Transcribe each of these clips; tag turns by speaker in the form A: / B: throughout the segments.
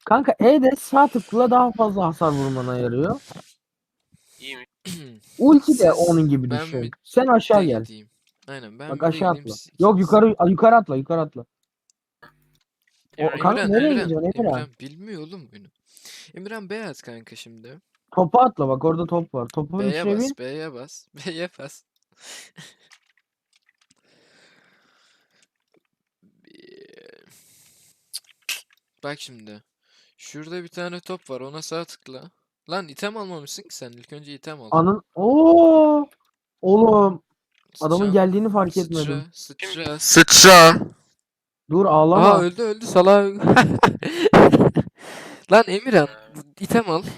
A: Kanka E'de sağ tıkla daha fazla hasar vurmana yarıyor.
B: İyi mi?
A: Ulti de
C: Siz-
A: onun gibi
C: ben
A: düşün.
C: bir
A: Sen aşağı
C: de
A: gel.
C: gideyim. Aynen ben
A: Bak
C: bir de
A: aşağı
C: gideyim.
A: atla.
C: Siz
A: Yok
C: ikiniz.
A: yukarı atla, yukarı atla. O kanka nereye gidiyorsun Emirhan?
C: Emirhan bilmiyor oğlum bunu. Emirhan beyaz kanka şimdi.
A: Topa atla, bak orada top var. Topun
C: B'ye
A: içine
C: bas,
A: bin.
C: B'ye bas, B'ye bas. Bak şimdi. Şurada bir tane top var. Ona sağ tıkla. Lan item almamışsın ki sen. İlk önce item al.
A: Anın. Oo! Oğlum adamın
C: Sıçra.
A: geldiğini fark
C: Sıçra.
A: etmedim.
C: Sıçra. Sıçra.
A: Dur
C: Aa
A: ağlama.
C: öldü salak. Lan Emirhan. item al.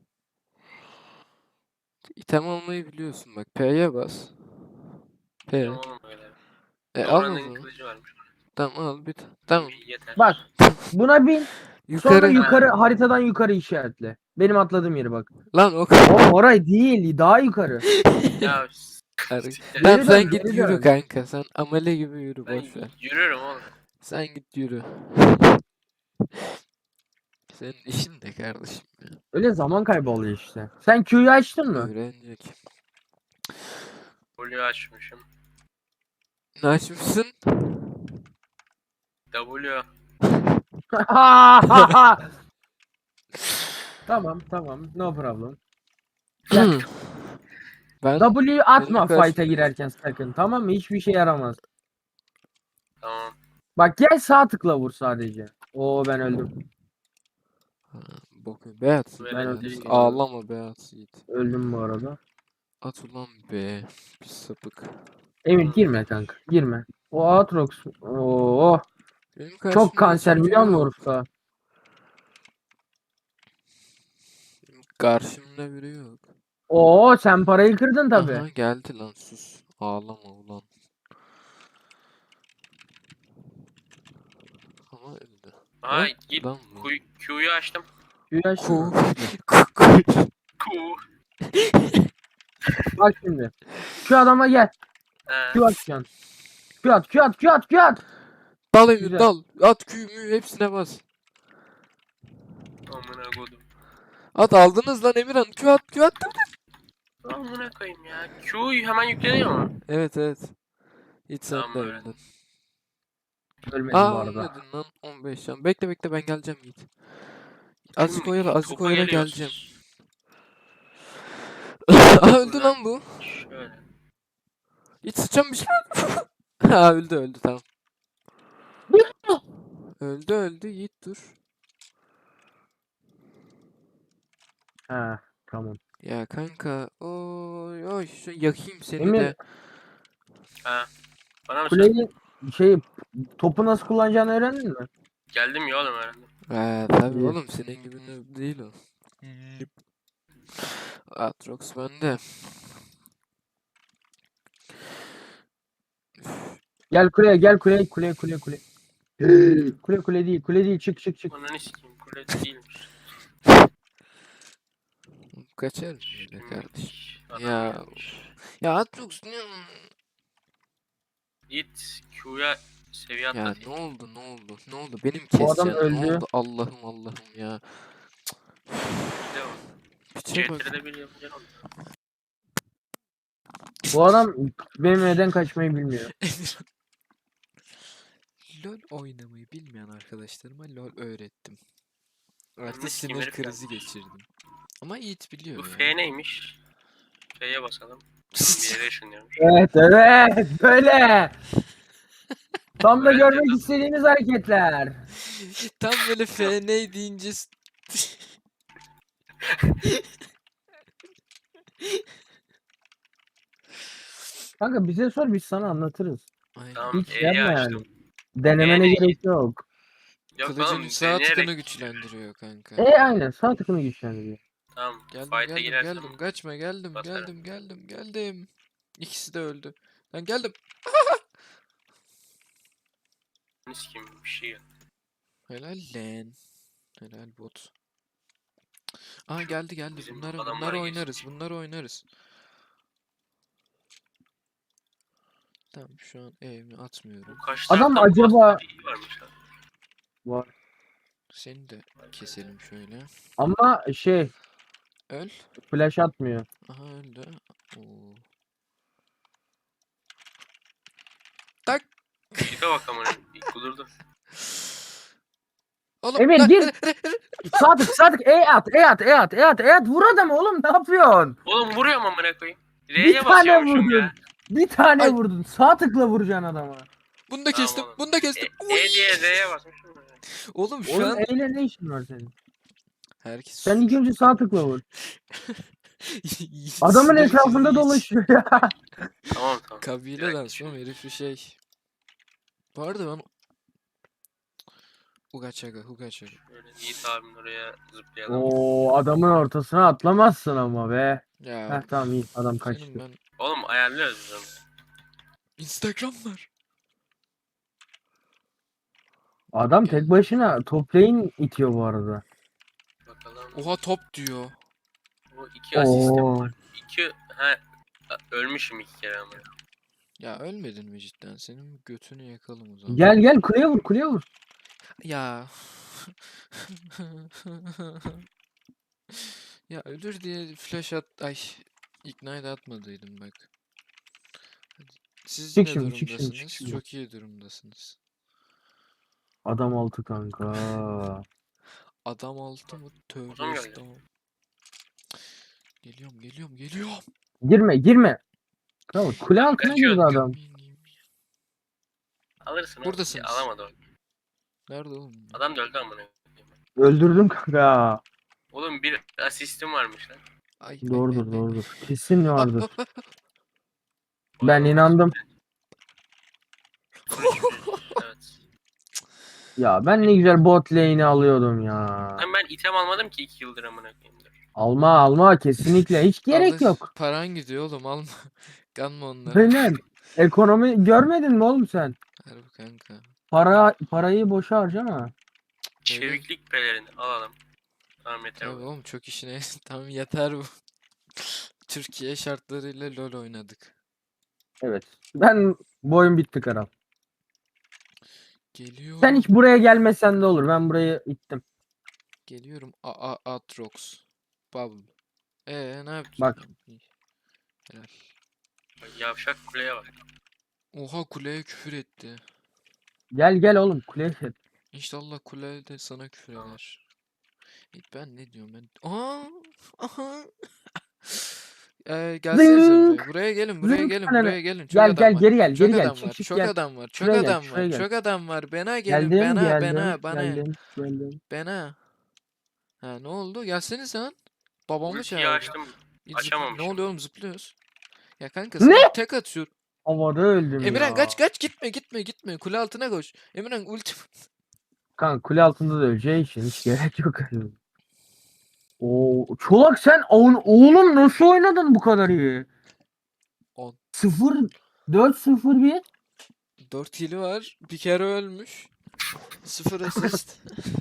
C: İtem almayı biliyorsun bak. P'ye bas. P.
B: Bilmiyorum oğlum öyle.
C: Al o
B: Dora'nın
C: zaman.
B: kılıcı varmış.
C: Tamam al bir. Tamam.
B: Yeter.
A: Bak buna bin. Sonra
C: Yukarı.
A: yukarı haritadan yukarı işaretle. Benim atladığım yeri bak.
C: Lan o
A: Oğlum orayı değil, daha yukarı.
B: Ya siktir.
C: Tamam
A: Geri
C: sen
A: dön,
C: git
A: geri
C: yürü
A: dön.
C: kanka. Sen amele gibi yürü
B: Ben
C: boş ver.
B: yürüyorum oğlum.
C: Sen git yürü. Senin işin ne kardeşim ya?
A: Öyle zaman kaybı oluyor işte. Sen Q'yu açtın mı?
C: Öğrenecek.
B: W açmışım.
C: Ne açmışsın?
B: W.
A: Tamam, no problem. Gel.
C: Ben
A: W'yu atma
C: benim
A: fight'a girerken sakın, tamam mı? Hiçbir şey yaramaz.
B: Tamam.
A: Bak gel sağ tıkla vur sadece. Oo ben öldüm.
C: Bakın Beat
B: Bu
C: Yiğit,
A: Ben
B: elektrik
A: öldüm
C: Beat.
A: bu arada.
C: Ağlama Beat Yiğit.
A: Öldüm bu arada.
C: At ulan be. Bir sapık.
A: Emir girme kanka. Girme. O Aatrox. Oo.
C: Benim
A: Çok
C: karşımda hiç
A: kanser
C: biri
A: biliyor musun
C: yok.
A: Urf'ta?
C: Benim karşımda biri yok.
A: Oo sen parayı kırdın tabi.
C: Aha geldi lan sus. Ağlama ulan. Ama öldü.
B: Aha
C: Lan,
B: git.
C: lan bu.
B: Q'yu açtım.
A: Q'yu açtın
C: Ku.
A: mı?
B: Q.
A: Bak şimdi. Şu adama gel.
B: He.
A: Q atacaksın. Q at.
C: Dal Emir
A: Güzel.
C: dal. At küyümü hepsine bas.
B: Amına kodum.
C: At aldınız lan Emirhan. Q at Q at.
B: Amına koyayım ya. Q'yu hemen yükleniyor mu?
C: Evet evet. Hiç sen
B: Tamam
C: de
B: öyle.
C: öldün.
A: Ölmedim bu
C: Aa
A: arada.
C: ölmedin lan 15 can. Bekle bekle ben geleceğim Yiğit.
B: Şimdi
C: Azıcık
B: topa
C: oyala
B: geliyoruz.
C: geleceğim. Aa öldü
B: Buradan
C: lan bu.
B: Şöyle.
C: Hiç sıçan bir şey. Ha öldü tamam. Öldü Yiğit dur.
A: Ha tamam.
C: Ya kanka oy oy şu yakayım seni
A: Emir
C: de.
B: Ha. Bana mı sen?
A: kuleyi şey topu nasıl kullanacağını öğrendin mi?
B: Geldim ya oğlum herhalde.
C: Tabii
A: İyi.
C: oğlum senin gibi noob değil o. Atrox bende.
A: Gel kuleye. Kule değil çık.
B: Ananı sikeyim. Kule değilmiş.
C: Kaçar öyle kardeşim.
B: Adam
C: Ya
B: gelmiş.
C: ya Atrox ne?
B: Git Q'ya seviye
C: Ya
B: atla.
C: ne oldu? Benim
A: Bu adam
C: keseceğim. Ne
A: öldü.
C: oldu? Allah'ım ya.
B: Bir de o.
C: Piçe bak.
B: CTR'de bir yapacaksın onu.
A: Bu adam benim neden kaçmayı bilmiyor.
C: LOL oynamayı bilmeyen arkadaşlarıma LOL öğrettim.
B: Önüne
C: Artık
B: sikeyim
C: sinir
B: herif
C: krizi
B: gelmiş.
C: geçirdim. Ama Yiğit
B: Bu
C: biliyor ya.
B: F neymiş? F'ye basalım. Bir yere ışınlıyormuş.
A: Evet böyle. Tam da
B: Evet,
A: görmek
B: dedim.
A: istediğiniz hareketler.
C: Tam böyle FN deyince
A: Kanka bize sor biz sana anlatırız.
C: Aynen.
B: Tamam
A: Hiç
B: E'yi
A: yapma
B: açtım.
A: yani. Denemene
B: E
A: gerek yok.
B: Yok
C: Kılıcın
B: oğlum
C: sağ
B: deneyerek.
C: tıkanı güçlendiriyor kanka.
A: Aynen sağ tıkını güçlendiriyor.
B: Tamam
C: Geldim
B: fight'a girersem
C: kaçma
B: basarım.
C: geldim. İkisi de öldü. Ben geldim.
B: Ne sikeyim bir şey yok.
C: Helal lan. Helal bot. Aa geldi.
B: Bizim
C: Bunları
B: adamlara
C: oynarız. Tamam şu an evimi atmıyorum.
B: Bu kaç
A: Adam
B: taraftan
A: acaba
B: iyi varmış lan.
A: var.
C: Seni de keselim şöyle.
A: Ama şey
C: Öl.
A: flash atmıyor.
C: Aha öldü. Oo. Tak.
B: Gite bak amına. İlk bulurdu.
C: Oğlum
A: Emir
C: lan,
A: gir. Sadık E at vur adamı oğlum ne yapıyorsun?
B: Oğlum vuruyorum amına koyayım.
A: Bir
B: R'ye
A: tane
B: basıyormuşum
A: vurdun.
B: ya.
A: Bir tane
C: Ay.
A: vurdun. Sağ tıkla vuracaksın adama.
C: Bunu da
B: Tamam
C: kestim.
B: oğlum.
C: Bunu da kestim.
B: E diye R'ye basmışım. Ya.
C: Oğlum şu
A: Oğlum
C: an
A: E ile ne işin var senin?
C: herkes
A: Sen ilk önce sağ tıkla vur. Adamın
C: Sınır
A: etrafında
C: çizgi
A: dolaşıyor ya.
B: Tamam tamam.
C: Kabileden sonra herif bir şey. Bu arada ben Huga Chaga.
B: Böyle Yiğit abimin oraya zıplayalım.
A: Oo adamın ortasına atlamazsın ama be.
C: Ya
A: Heh tamam iyi adam
C: senin
A: kaçtı.
C: ben
B: Oğlum ayarlıyoruz biz onu.
C: Instagram var.
A: Adam
C: Gel.
A: tek başına top lane itiyor bu arada.
B: Bakalım.
C: Oha top diyor.
B: Bu 2 asistim
A: Oo.
B: var. 2 ha ölmüşüm 2 kere ama.
C: Ya ölmedin mi cidden? Senin götünü yakalım o zaman.
A: Gel kuleye vur.
C: Ya. Ya ölür diye flash ay ignite atmadıydım bak. Hadi. Siz
A: Çık
C: ne
A: şimdi, çık
C: durumdasınız?
A: şimdi.
C: Çok iyi durumdasınız.
A: Adam altı kanka.
C: Adam altı mı? Tövbe
B: Adam geldi.
C: estağfurullah. Geliyorum.
A: Girme. Kral kule altına
B: Kaçıyor.
A: girdi adam.
B: Alırsın oğlum.
C: Buradasınız.
B: Alamadı o.
C: Nerede oğlum?
B: Adam da öldü amına.
A: Öldürdüm kanka.
B: Oğlum bir asistim varmış lan.
C: Ay.
A: Doğrudur. Kesin
C: Ah,
A: vardır.
C: ah, ah.
A: Ben inandım.
B: Evet.
A: Ya ben ne güzel bot lane'i alıyordum ya.
B: Lan ben item almadım ki 2 yıldır amına koyayım.
A: Alma kesinlikle hiç gerek
C: Alır.
A: yok.
C: Paran gidiyor oğlum alma. Kanma onları.
A: Aynen. Ekonomi görmedin mi oğlum sen?
C: Harbi kanka.
A: Parayı boşa harcama.
B: Çeviklik pelerini alalım. Tamam yeter
C: Tabii
B: bu.
C: oğlum çok işine tamam yeter bu. Türkiye şartlarıyla LoL oynadık.
A: Evet. Ben bu oyun bitti kral.
C: Geliyorum.
A: Sen hiç buraya gelmesen de olur. Ben burayı ittim.
C: Geliyorum. Atrox. Bubble. Ne yaptın?
A: Bak.
C: İyi. Helal.
B: Yavşak kuleye bak.
C: Oha kuleye küfür etti.
A: Gel oğlum kuleye gel.
C: İnşallah kule de sana küfür eder. Ben ne diyorum ben? Aha. Gelsenize
A: Zınk.
C: buraya. Buraya gelin,
A: Zınk ananı.
C: buraya gelin. Çok
A: Gel
C: adam var.
A: geri gel
C: Çok
A: geri gel.
C: adam var.
A: Çık
C: Çok
A: gel.
C: adam var. Çok
A: Şuraya gel
C: adam
A: şuraya
C: var.
A: gel.
C: Çok adam var. Bana gelin. Bana.
A: Geldim.
C: Ha ne oldu? Gelsenize lan. Babamı
B: Ultiyi
C: çağırdı.
B: açtım.
C: Ne
B: Açamamışım.
C: oluyor oğlum zıplıyoruz. Ya kanka
A: Ne?
C: sana tek atıyor.
A: Havada öldüm
C: Emirhan
A: ya.
C: kaç gitme. Kule altına koş. Emirhan ulti.
A: Kanka kule altında da öleceği için hiç gerek yok. Oo, Çolak sen oğlum nasıl oynadın bu kadar iyi?
C: 10.
A: 4-0-1.
C: 4 hili var. Bir kere ölmüş. 0 asist.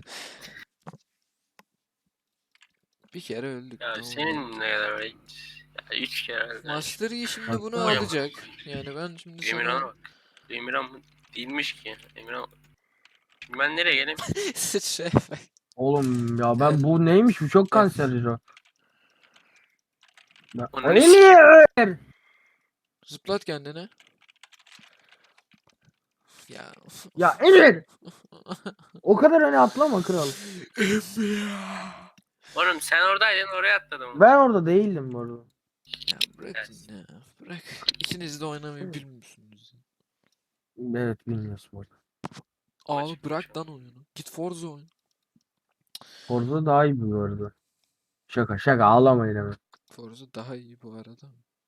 C: Bir kere öldük.
B: Ya
C: ne oldu?
B: senin ne kadar öyle? Ya 3 kere öldü.
C: Master Yi şimdi
A: Bak,
C: bunu
A: oynama.
C: alacak. Yani ben şimdi
B: Emirhan'a
C: sana
B: bak. Emirhan değilmiş ki. Emirhan. Ben nereye geleyim?
C: sıçra
A: Oğlum ya ben bu neymiş bu çok kanserli o.
B: Onun
A: Emir!
C: zıplat kendine. Ya.
A: Ya Emir! O kadar öne atlama kral.
B: Oğlum sen oradaydın oraya atladım.
A: Ben orada değildim bu arada.
C: Ya bırakın ya. Bırak. İkiniz de oynamayı bilmiyorsunuz.
A: Evet bilmiyorsun bu arada.
C: Abi
B: Açık
C: bırak
B: bir
C: lan oyunu. Git Forza oyna.
A: Forza daha iyi bu arada. Şaka ağlamayın hemen.
C: Forza daha iyi bu arada.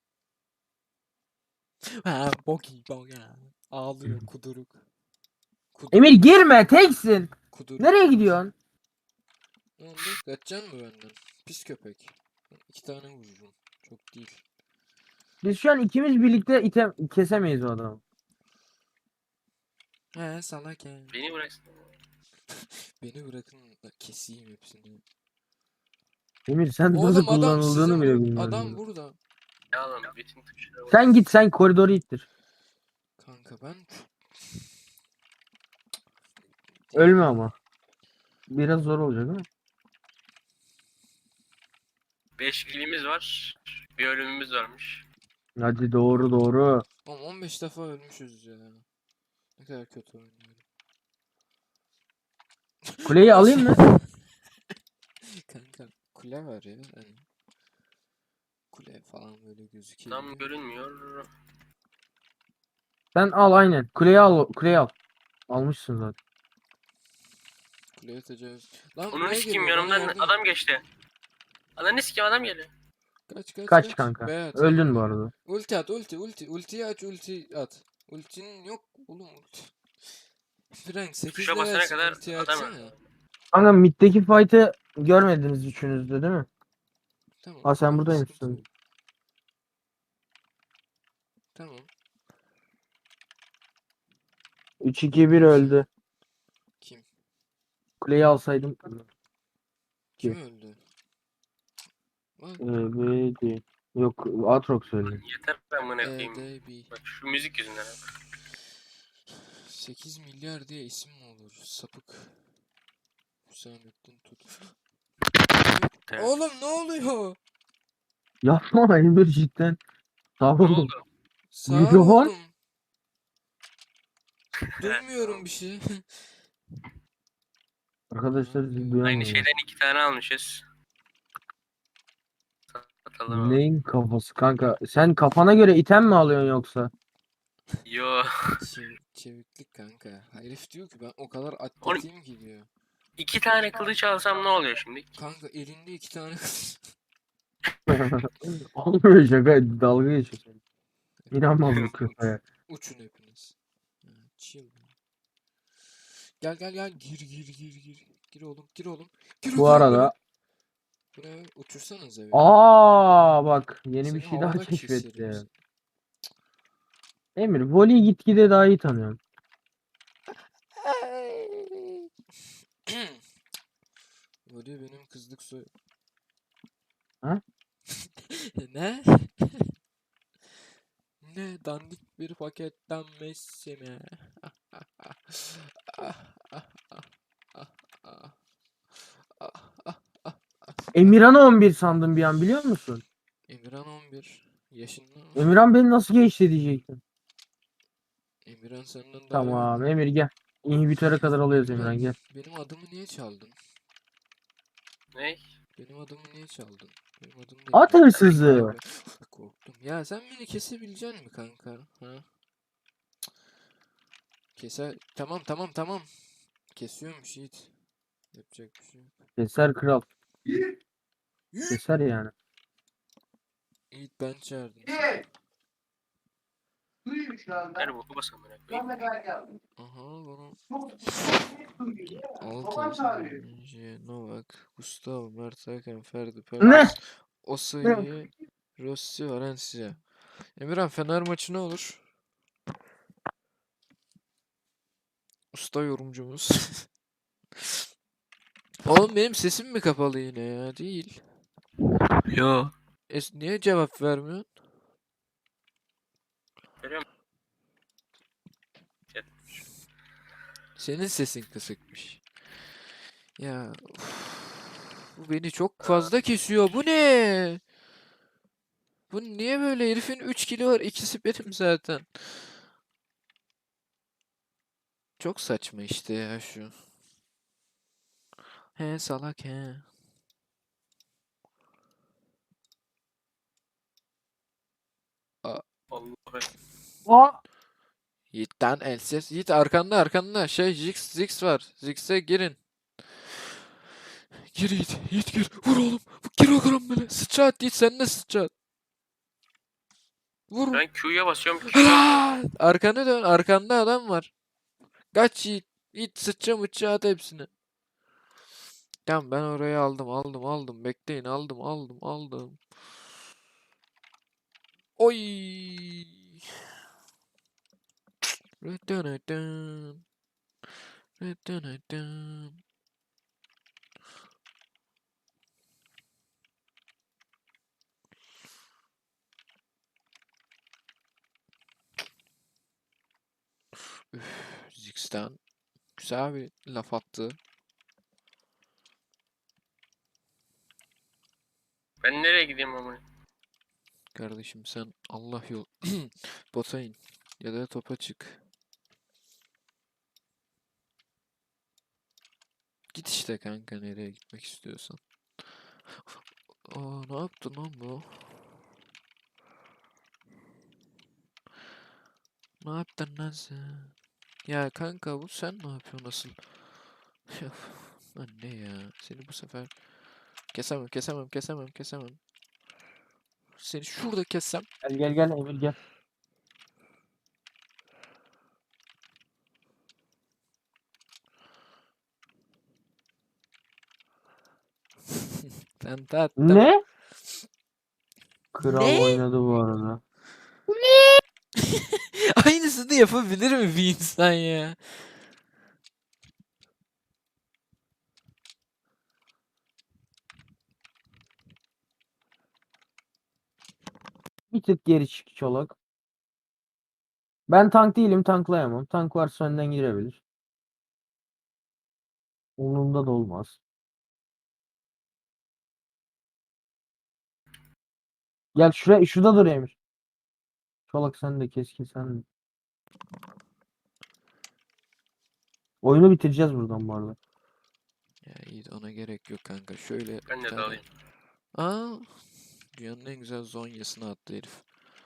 C: Ha bok ya. Ağlıyor kuduruk.
A: Emir girme teksin.
C: Kuduruk.
A: Nereye gidiyorsun?
C: Ne oldu? Kaçacaksın mı benden? Pis köpek. 2 tane vururum. Çok değil.
A: Biz şu an ikimiz birlikte kesemeyiz o adamı.
C: He salak ya.
B: Beni bıraksın.
C: Beni bırakın da keseyim hepsini.
A: Emir sen nasıl
C: Oğlum adam
A: kullanıldığını
C: sizin
A: bile
C: bu.
A: bilmiyorsun.
C: Adam burada.
B: Ya oğlum bütün tuşlara bak.
A: Sen git sen koridoru ittir.
C: Kanka ben...
A: Ölme ama. biraz zor olacak değil mi?
B: 5 kilimiz var. Bir ölümümüz varmış.
A: Hadi doğru doğru.
C: Oğlum 15 defa ölmüşüz ya. Ne kadar kötü oynuyorum.
A: Kuleyi
C: O nasıl-
A: alayım mı?
C: Kanka kule var ya. Hani kule falan böyle gözüküyor.
B: Tam görünmüyor.
A: Sen al aynen. Kuleyi al. Kuleyi al. Almışsın zaten.
C: Kuleye tecavüz. Lan
B: Onun
C: buraya
B: sikeyim
C: geliyor, bana
B: yanımdan
C: yardım et.
B: adam geçti. Ananı sikeyim adam geliyor.
C: Kaç kaç
A: Kaç
C: kaç.
A: kanka.
C: Beyat
A: Öldün bu
C: kanka.
A: arada.
C: Ulti at, ulti. Ultiyi aç, ulti at. Ultinin yok oğlum ulti. Frank 8
B: Tuşa basana
C: levelsin,
B: kadar
C: ultiyi
B: adam
C: açsana.
B: öldü.
A: Kanka middeki fight'ı görmediniz üçünüz de değil mi?
C: Tamam,
A: Ha sen
C: tamam, sıkıntı
A: buradaymışsın.
C: yok. Tamam.
A: 3-2-1 öldü.
C: Kim?
A: Kuleyi alsaydım.
C: Kim
A: Ki.
C: öldü? Lan
A: Evet. Yok Aatrox öldü.
B: Yeter amına koyayım.
C: EDB.
B: Bak şu müzik yüzünden.
C: 8 milyar diye isim mi olur? Sapık. Hüsamettin Tut.
B: Evet.
C: Oğlum ne oluyor?
A: Yapma Emir cidden. Sağ
B: Ne
A: olun.
B: oldu?
C: Sağır
A: Mikrofon.
C: oldum. Duymuyorum bir şey.
A: Arkadaşlar
C: Abi
A: sizi
C: ya.
B: Aynı
A: duyamıyorlar.
B: şeyden 2 tane almışız. Satalım ama.
A: Neyin kafası kanka? Sen kafana göre item mi alıyorsun yoksa?
B: Yo.
C: Çeviklik kanka. Herif diyor ki ben o kadar
B: Oğlum
C: atletiyim ki diyor.
B: 2 tane kılıç alsam ne oluyor şimdi?
C: Kanka elinde 2 tane kız.
A: Olmuyor şaka. Dalga geçiyorsun. İnanmam bu köpeğe.
C: Uçun hepiniz. Ha, chill. Gel gir. Gir oğlum gir o
A: Bu arada
C: karambole. Buraya uçursanız evi.
A: bak yeni bir
C: Seni
A: şey daha
C: havada keserim
A: keşfettim.
C: seni.
A: Emir voleyi gitgide daha iyi tanıyorum.
C: Böyle benim kızlık soy...
A: Ha?
C: Ne? Ne dandik bir paketten Messi mi?
A: Emirhan'ı 11 sandım bir an biliyor musun?
C: Emirhan 11 yaşında.
A: Emirhan beni nasıl geçti diyecektim.
C: Emirhan senden daha iyi.
A: Tamam Emir gel. İnhibitöre kadar alıyoruz
C: Emirhan
A: Emirhan gel.
C: benim adımı niye çaldın?
B: Ne?
C: Benim adımı niye çaldın? Benim adım ne?
A: At hırsızı.
C: Korktum. Ya sen beni kesebilecek misin kanka? Ha? Keser. Tamam. Kesiyormuş Yiğit. Yapacak bir şey yok.
A: Keser kral. Keser yani.
C: Yiğit ben çağırdım seni.
B: Her boku bas amına koyayım.
C: Aha bana Altın, Novak, Gustavo, Mert Hakan, Ferdi,
A: Ne?
C: Pervis, Osayi, Rossi, Valencia. Emirhan Fener maçı ne olur? Usta yorumcumuz. Oğlum benim sesim mi kapalı yine ya? Değil.
B: Yo.
C: Niye cevap vermiyorsun?
B: Görüyor musun?
C: Senin sesin kısıkmış. Ya bu beni çok fazla kesiyor. Bu ne? Bu niye böyle? Herifin 3 kilo var. İkisi benim zaten. Çok saçma işte ya şu. He salak he.
B: Vallahi.
A: Aa!
C: Yiğit'ten elsiz. Yiğit arkanda. Şey Ziggs var. Ziggs'e girin. Gir Yiğit. Yiğit gir. Vur oğlum. Gir o karambole. Sıçrat Yiğit sen de sıçrat. Vur.
B: Ben Q'ya basıyorum. Q.
C: Aa! Arkana dön. Arkanda adam var. Kaç Yiğit. Yiğit sıçra mıçra at hepsini. Tamam ben orayı aldım. Bekleyin aldım. Oy. Rıdınıdın. Rıdınıdın. Üf, Ziggs'ten güzel bir laf attı.
B: Ben nereye gideyim ama?
C: Kardeşim sen Allah yol bota in ya da topa çık. Git işte kanka nereye gitmek istiyorsan. Aa ne yaptın lan bu? Ne yaptın lan sen? Ya kanka bu sen ne yapıyorsun asıl? Ya, lan ne ya? Seni bu sefer kesemem. Seni şurada kessem.
A: Gel gel gel Emir gel.
C: Ben tattım.
A: Ne? Kral
C: Ne?
A: oynadı bu arada.
C: Aynısını yapabilir mi bir insan ya?
A: Bir tık geri çık Çolak. Ben tank değilim, tanklayamam. Tank varsa önden girebilir. Umurumda da olmaz. Gel şuraya, şurada dur Emir. Çolak sen de, keskin sen de. Oyunu bitireceğiz buradan bu arada.
C: Ya iyi de ona gerek yok kanka. Şöyle
B: Ben
C: bir
B: de
C: tane.
B: dalayım.
C: Aa, dünyanın en güzel zonyasını attı herif.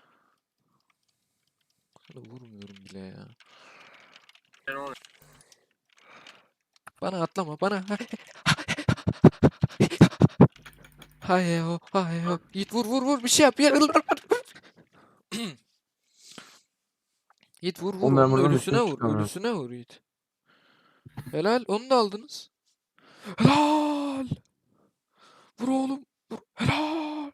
C: Sana vurmuyorum bile ya.
B: Ben onu
C: Bana atlama bana. Hay o hay o. Yiğit vur bir şey yap. Yiğit vur
A: Oğlum ben
C: onun
A: buradan
C: ölüsüne
A: dışarı
C: vur.
A: çıkamıyorum.
C: Ölüsüne vur Yiğit. Helal onu da aldınız. Helal. Vur oğlum. Vur. Helal.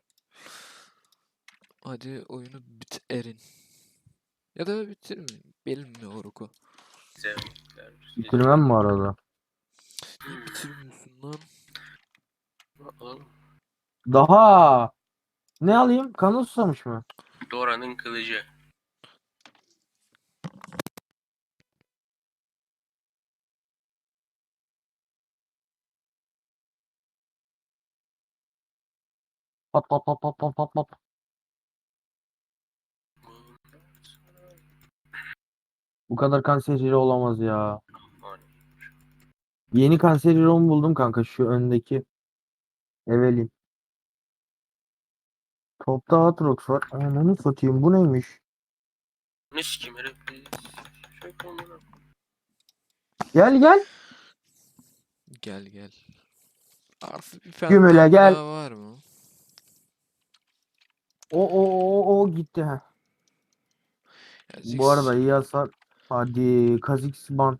C: Hadi oyunu bitirin. Ya da bitirmeyin. Bilmiyorum.
B: zevkler.
A: Bitirmem mi arada?
C: Niye bitirmiyorsun lan?
B: Alalım.
A: Daha ne alayım? Kanı susamış mı?
B: Dora'nın kılıcı.
A: Pat pat pat pat pat pat pat. Bu kadar kanserleri olamaz ya. Yeni kanserleri buldum kanka, şu öndeki. Evelin. Topta Aatrox var. Ananı satayım, bu neymiş?
B: Ne sikim herif. Şöyle olmalı.
A: Gel gel.
C: Gel. Artık bir
A: Gümüle
C: pentam
A: gel.
C: daha var mı?
A: O gitti ha.
C: Ya
A: Bu arada
C: Ziggs
A: iyi hasar. Hadi Kha'Zix ban.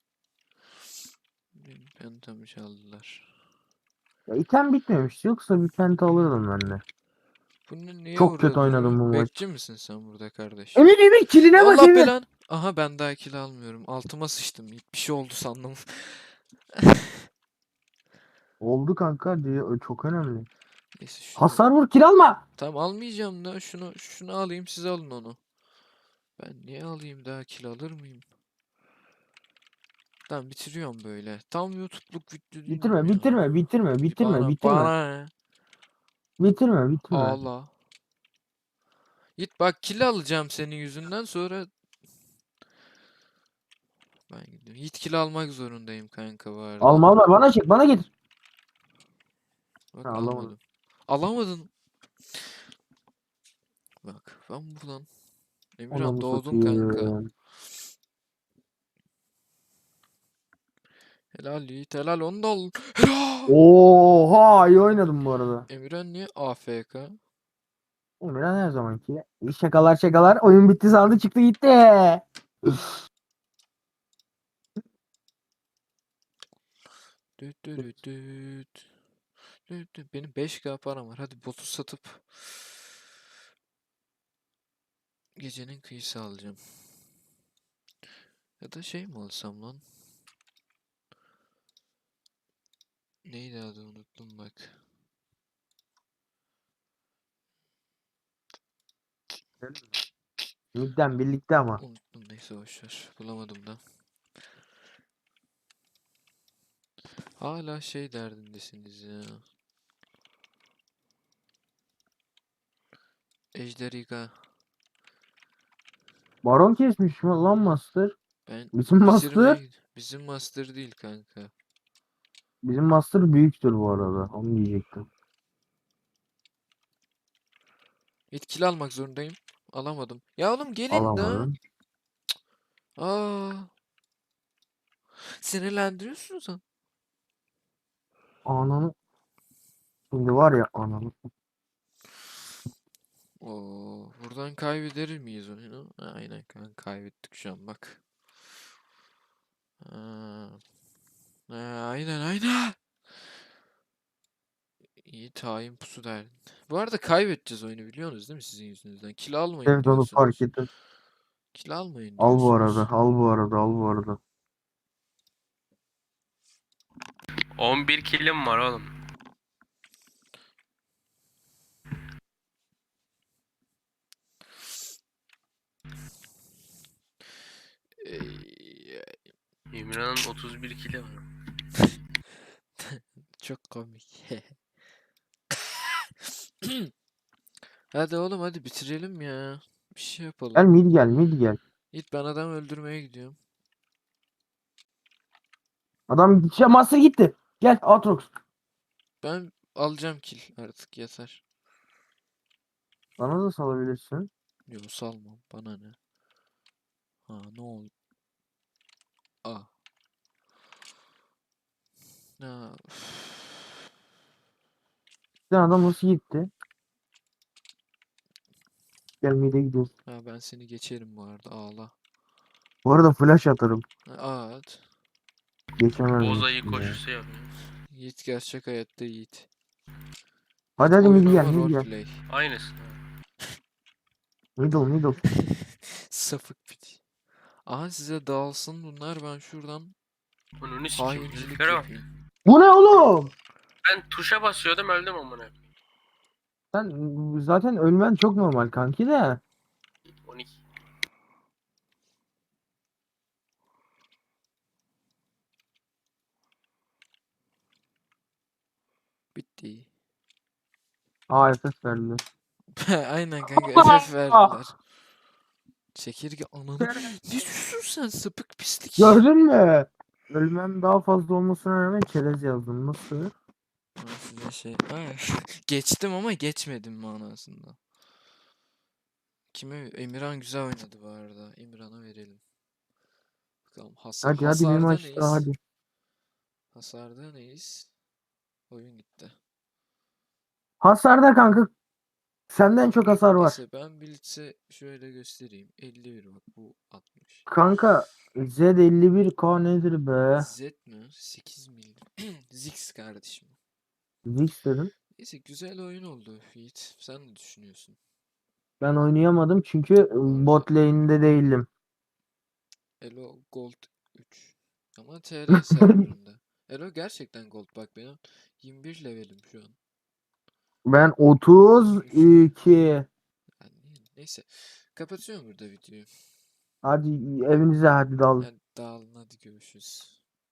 C: benim pentamı çaldılar.
A: Ya item bitmemiş. Yoksa bir penta alırdım ben de.
C: Bunu niye
A: Çok kötü
C: burada duruyor?
A: oynadım bu maç.
C: Bekçi misin sen burada kardeş?
A: Emir kiline bak
C: Allah
A: Emir.
C: belan. Aha ben daha kill almıyorum. Altıma sıçtım. Bir şey oldu sandım.
A: Oldu kanka diye, çok önemli.
C: Neyse şunu.
A: Hasar vur, kill alma.
C: Tamam almayacağım da şunu alayım siz alın onu. Ben niye alayım daha kill alır mıyım? Tamam bitiriyorum böyle. Tam YouTube'luk video değil mi
A: Bitirme
C: bu ya?
A: bitirme bitirme bitirme bitirme.
C: Bana ne?
A: Bitirme.
C: Ağla. Git bak kill alacağım senin yüzünden sonra ben gidiyorum. Git kill almak zorundayım kanka bu arada.
A: Alma bana çek, bana getir. Ha,
C: Bak
A: alamadım.
C: almadım. Alamadın. Bak ben buradan. Emirhan
A: Anamı
C: doğdun kanka.
A: satayım.
C: Helal Yiğit helal onu da al. Helal.
A: Oha, iyi oynadım bu arada.
C: Emirhan niye AFK?
A: Emirhan her zamanki. İyi şakalar. Oyun bitti sandı, çıktı gitti.
C: Düt düt düt düt. Düt düt. Benim 5K param var. Hadi botu satıp gecenin kıyısı alacağım. Ya da şey mi alsam lan? Neydi adı unuttum bak.
A: Midden birlikte ama.
C: Unuttum neyse boşver. Bulamadım da. Hala şey derdindesiniz ya. Ejderiga.
A: Baron kesmiş mi lan Master?
C: Ben
A: Bizim Master.
C: Bizim master değil kanka.
A: Bizim Master büyüktür bu arada. Onu diyecektim.
C: Etkili almak zorundayım. Alamadım. Ya oğlum gelin de.
A: Alamadın.
C: Aa, sinirlendiriyorsun sen.
A: Ananı. Şimdi var ya ananı.
C: Oo, buradan kaybeder miyiz onu? Aynen kanka kaybettik şu an bak. Ha, aynen aynen. İyi tayin pusu derdin. Bu arada kaybedeceğiz oyunu biliyorsunuz değil mi sizin yüzünüzden? Kill almayın
A: Evet onu fark
C: diyorsunuz.
A: ettim.
C: Kill almayın
A: Al bu arada.
C: diyorsunuz.
A: Al bu arada. Al bu arada.
B: 11 kilim var oğlum.
C: Ey,
B: Emirhan'ın 31 kili var.
C: çok komik. Hadi oğlum hadi bitirelim ya. Bir şey yapalım.
A: Gel mid gel mid gel.
C: Git ben adam öldürmeye gidiyorum.
A: Adam gideceğim Master gitti. Gel Aatrox.
C: Ben alacağım kill artık yeter.
A: Bana da salabilirsin.
C: Yo salmam bana ne. Ha ne oldu? Ah. Ya, üf.
A: Sen adam nasıl gitti? Gel mid'e gidiyoruz.
C: Ha, ben seni geçerim bu arada ağla.
A: Bu arada flash atarım.
C: Ha, at.
A: Geçemez
B: Boz ayı
A: misin ya?
B: koşusu yapıyor.
C: Yiğit gerçek hayatta Yiğit.
A: Hadi
C: Yiğit
A: hadi
C: oyun
A: mid gel
C: ama
A: mid gel.
C: roleplay.
B: Aynısı.
A: Middle middle.
C: Safık piti. Aha size dağılsın bunlar ben şuradan
B: Onu sikeyim.
C: hayincilik
B: Heriflere bak.
C: yapayım.
A: Bu ne oğlum?
B: Ben tuşa basıyordum öldüm amına.
A: Sen zaten ölmen çok normal kanki de.
B: 12.
C: Bitti.
A: AFF verdi.
C: Aynen kanka FF verdiler. Çekirge ananı. Ne diyorsun sen sapık pislik.
A: Gördün mü? Ölmem daha fazla olmasına rağmen çerez yazdım. Nasıl?
C: Ben size şey... Ay, geçtim ama geçmedim manasında. Kime? Emirhan güzel oynadı bu arada. Emirhan'a verelim. Bakalım
A: Hadi hadi bir
C: hasarda
A: maç daha
C: neyiz?
A: hadi.
C: Hasarda neyiz? Oyun gitti.
A: Hasarda kanka senden çok hasar var.
C: Neyse ben Blitz'e şöyle göstereyim. 51 bak bu 60.
A: Kanka Z51K nedir be?
C: Z mi? 8 mil. Zix kardeşim.
A: Zix dedim.
C: Neyse güzel oyun oldu Yiğit. Sen ne düşünüyorsun?
A: Ben oynayamadım çünkü
C: arada-
A: bot lane'de değildim.
C: Elo Gold 3. Ama TR serverında. Elo gerçekten Gold bak benim 21 levelim şu an.
A: Ben
C: 33 level.
A: 32.
C: Yani neyse. Kapatıyorum burada videoyu.
A: Hadi evinize hadi dal.
C: Hadi dağılın hadi görüşürüz.